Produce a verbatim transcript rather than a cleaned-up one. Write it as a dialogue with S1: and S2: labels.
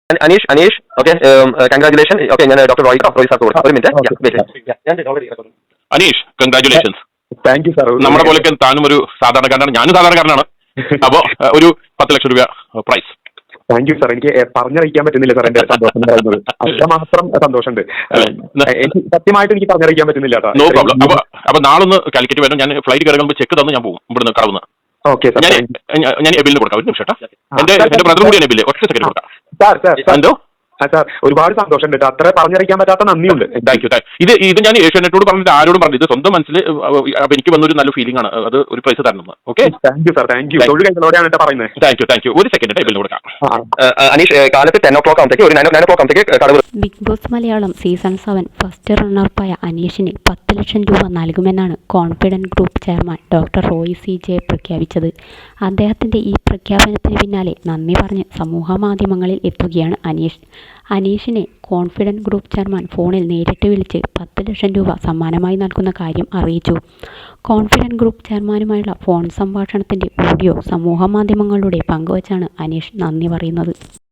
S1: അന- Aneesh Aneesh okay congratulation. Okay ഞാൻ doctor Roy Roy സാർക്ക് കൊടുക്കാം ഒരു minute.
S2: Aneesh congratulations.
S3: Thank you sir.
S2: നമ്മുടെ പോലെയൊക്കെ താനും ഒരു സാധാരണക്കാരനാണ്, ഞാനും സാധാരണക്കാരനാണ്. അപ്പോ ഒരു പത്ത് ലക്ഷം രൂപ പ്രൈസ്.
S3: Thank you sir. എനിക്ക് എ, പറഞ്ഞറിയിക്കാൻ പറ്റുന്നില്ല സാർ എന്റെ സന്തോഷം എന്ന് പറയുന്നത്. അത്രമാത്രം സന്തോഷമുണ്ട്. എനിക്ക് സത്യമായിട്ട് എനിക്ക് പറഞ്ഞറിയിക്കാൻ പറ്റുന്നില്ല കേട്ടോ.
S2: No problem. അപ്പൊ അപ്പൊ നാളൊന്ന് കാലിക്കറ്റ് വരണം. ഞാൻ ഫ്ലൈറ്റ് കയറുമ്പോൾ ചെക്ക് തന്ന് ഞാൻ പോകും ഇവിടുന്ന് കടവുന്ന.
S3: Okay sir.
S2: ഞാൻ ഞാൻ എബിലിന് കൊടുക്കാം. ഒരു നിമിഷം കേട്ടോ. എന്റെ എന്റെ ബ്രദർ കൂടിയാണ് എബില്. ഒറ്റ സെക്കൻഡ് കൊടുക്കാം.
S3: സാർ സാർ സാർ
S2: എന്തോ
S3: ആ, സാർ ഒരുപാട് സന്തോഷമുണ്ട് കേട്ടോ. അത്ര പറഞ്ഞറിയിക്കാൻ പറ്റാത്ത നന്ദിയുണ്ട്.
S2: Thank you. ഇത് ഇത് ഞാൻ ഏഷ്യാനെറ്റോട് പറഞ്ഞിട്ട് ആരോടും പറഞ്ഞത് ഇത് സ്വന്തം മനസ്സിൽ. അപ്പൊ എനിക്ക് വന്നൊരു നല്ല ഫീലിംഗ് ആണ്. അത് ഒരു പ്രൈസ് തരണം. Okay
S3: thank you sir. Thank you. തൊഴിൽ കൈകളോടെയാണ് കേട്ടോ പറയുന്നത്.
S2: Thank you thank you. ഒരു സെക്കൻഡ് എബിലിന് കൊടുക്കാം.
S1: അനീഷ് കാലത്ത് ടെൻ ഓ ക്ലോക്ക് ആകുമ്പോഴത്തേക്ക് ഒരു നയൻ നയൻ ഓ ക്ലോക്ക് ആകുമ്പോഴത്തേക്ക് കടവ്.
S4: Big Boss Malayalam season seven first റണ്ണറപ്പായ അനീഷിന് പത്ത് ലക്ഷം രൂപ നൽകുമെന്നാണ് confident group chairman doctor Roy C J പ്രഖ്യാപിച്ചത്. അദ്ദേഹത്തിൻ്റെ ഈ പ്രഖ്യാപനത്തിന് പിന്നാലെ നന്ദി പറഞ്ഞ് സമൂഹ മാധ്യമങ്ങളിൽ എത്തുകയാണ് അനീഷ്. അനീഷിനെ കോൺഫിഡൻറ്റ് ഗ്രൂപ്പ് ചെയർമാൻ ഫോണിൽ നേരിട്ട് വിളിച്ച് പത്ത് ലക്ഷം രൂപ സമ്മാനമായി നൽകുന്ന കാര്യം അറിയിച്ചു. കോൺഫിഡൻറ്റ് ഗ്രൂപ്പ് ചെയർമാനുമായുള്ള ഫോൺ സംഭാഷണത്തിൻ്റെ ഓഡിയോ സമൂഹ മാധ്യമങ്ങളിലൂടെ പങ്കുവച്ചാണ് അനീഷ് നന്ദി പറയുന്നത്.